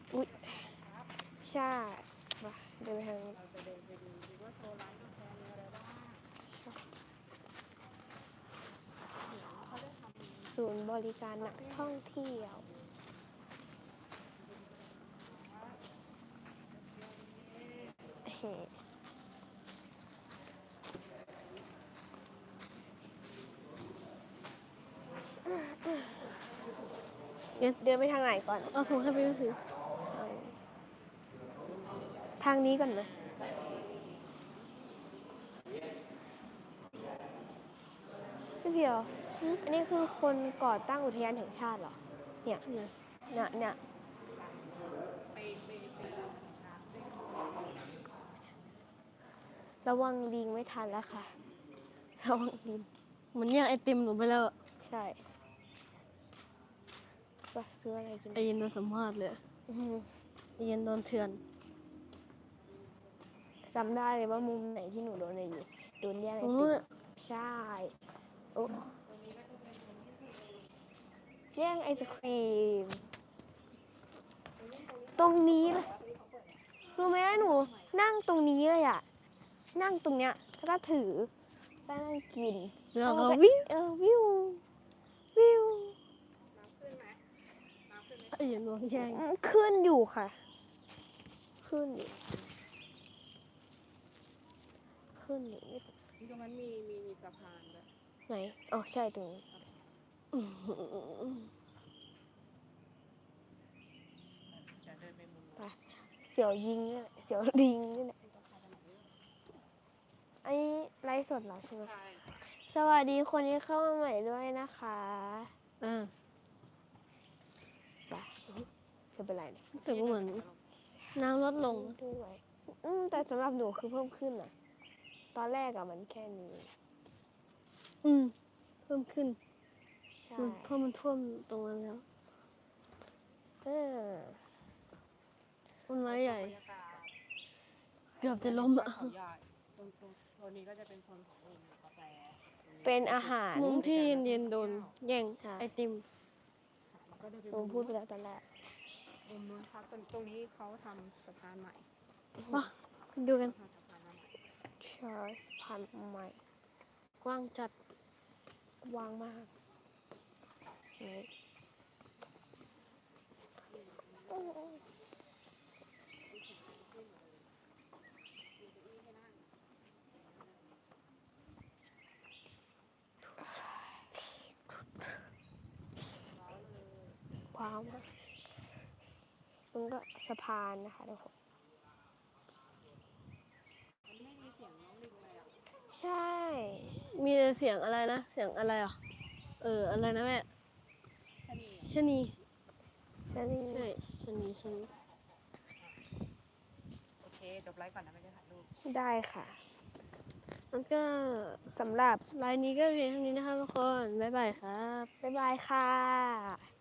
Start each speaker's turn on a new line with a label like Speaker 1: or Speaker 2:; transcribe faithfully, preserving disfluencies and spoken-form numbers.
Speaker 1: อุ๊ยใช่มาเดินไปทางนี้
Speaker 2: เราจะเดินไปดูดูว่าโชว์ร้านกาแฟมีอะไรบ้างเดี๋ยวเขาจะทำ
Speaker 1: ศูนย์บริการนักท่องเที่ยวเฮ้เดินไปทางไหนก่อน
Speaker 3: เอาถุงให้ไปดูสิ
Speaker 1: ทางนี้ก่อนไหมพี่เพียวอันนี้คือคนก่อตั้งอุทยานแห่งชาติเหรอ เนี่ยเนี่ยเนี่ยเนี่ยระวังลิงไม่ทันแล้วค่ะ ระวังลิง
Speaker 3: เหมือนแย่งไอติมหนูไปแล้วอะ
Speaker 1: ใช่ว่าซื้ออะไรกิน
Speaker 3: ไอเย็นโดนสัมภาษณ์เลย
Speaker 1: อื้อหือ
Speaker 3: ไอเย็นโดนเถื่อน
Speaker 1: จำได้เลยว่ามุมไหนที่หนูโดนอะไรอยู่โดนแย่งไอ
Speaker 3: โอ้
Speaker 1: ติม
Speaker 3: ย
Speaker 1: ใช่โอ้แย่งไอศครีม ตรงนี้เลยรู้ไหมหนู นั่งตรงนี้เลยอะนั่งตรงเนี้ยแล้วก็ถือแล้วนั่งกิน
Speaker 3: แล้วก็
Speaker 1: ก็
Speaker 3: วิ่ง
Speaker 1: เออวิววิว
Speaker 3: ไอเย็นโดนแย่ง
Speaker 1: อืมขึ้นอยู่ค่ะ ขึ้นอยู่ขึ้นอยู่นิด
Speaker 2: นี่ตรงนั้นมีมีมีสะพานด้วย
Speaker 1: ไหนอ๋อใช่ตรงนี้
Speaker 3: อื้อหือ
Speaker 2: จะเดินไปมุม
Speaker 1: ไปเสี่ยวยิงเนี่ยเสี่ยวลิงนี่แหละอันนี้ไลฟ์สดเหรอใช่ไหม
Speaker 2: ใช่
Speaker 1: สวัสดีคนที่เข้ามาใหม่ด้วยนะคะ
Speaker 3: อ่า
Speaker 1: ไปไม่เป็นไรเนี่ย
Speaker 3: รู้สึกว่าเหมือนน้ำลดลง
Speaker 1: ด้วยอืมแต่สำหรับหนูคือเพิ่มขึ้นอะตอนแรกอะมันแค่นี้
Speaker 3: อืมเพิ่มขึ้น
Speaker 1: ใช่
Speaker 3: มันเพราะมันท่วมตรงนั้นแล้ว
Speaker 1: เออ
Speaker 3: ต้นไม้ใหญ่
Speaker 2: บรรยากาศ
Speaker 3: เกือบจะล้มอ่ะ
Speaker 2: เขาใหญ่ตรงตรงโซนนี้ก็จะเป็นโซนของอุ่นกาแฟ
Speaker 1: เป็นอาหาร
Speaker 3: มุมที่เย็นๆโดนแย่ง
Speaker 1: ใช่
Speaker 3: ไอติม
Speaker 2: แล้วก็เดินไป
Speaker 1: หนูพูดไปแล้วตอนแรก
Speaker 2: มุมนู้นครับตรงตรงนี้เขาทำสะพานใหม่
Speaker 3: มาดูกัน
Speaker 2: ทำสะพานมาใหม่
Speaker 1: ชาร์สพันใหม่
Speaker 3: กว้างจัด
Speaker 1: วางมากนี่ว้าวมากมันก็สะพานนะคะทุกคน
Speaker 2: มันไม่มีเสียงน้องลิงเลยอ่ะ
Speaker 1: ใช่
Speaker 3: มีแต่เสียงอะไรนะ เสียงอะไรอ่ะ เออ อะไรนะแม่
Speaker 2: ชะนีอ่ะ
Speaker 3: ชะนี
Speaker 1: ใช่นี่
Speaker 3: ใช่ชะนีชะนี
Speaker 2: โอเคจบไลฟ์ก่อนนะไม่ได้ถ่ายรูป
Speaker 1: ได้ค่ะ
Speaker 3: แล้วก็
Speaker 1: สำหรับ
Speaker 3: ไลน์นี้ก็เพียงเท่านี้นะคะทุกคน บ๊ายบายครับ
Speaker 1: บ๊ายบายค่ะ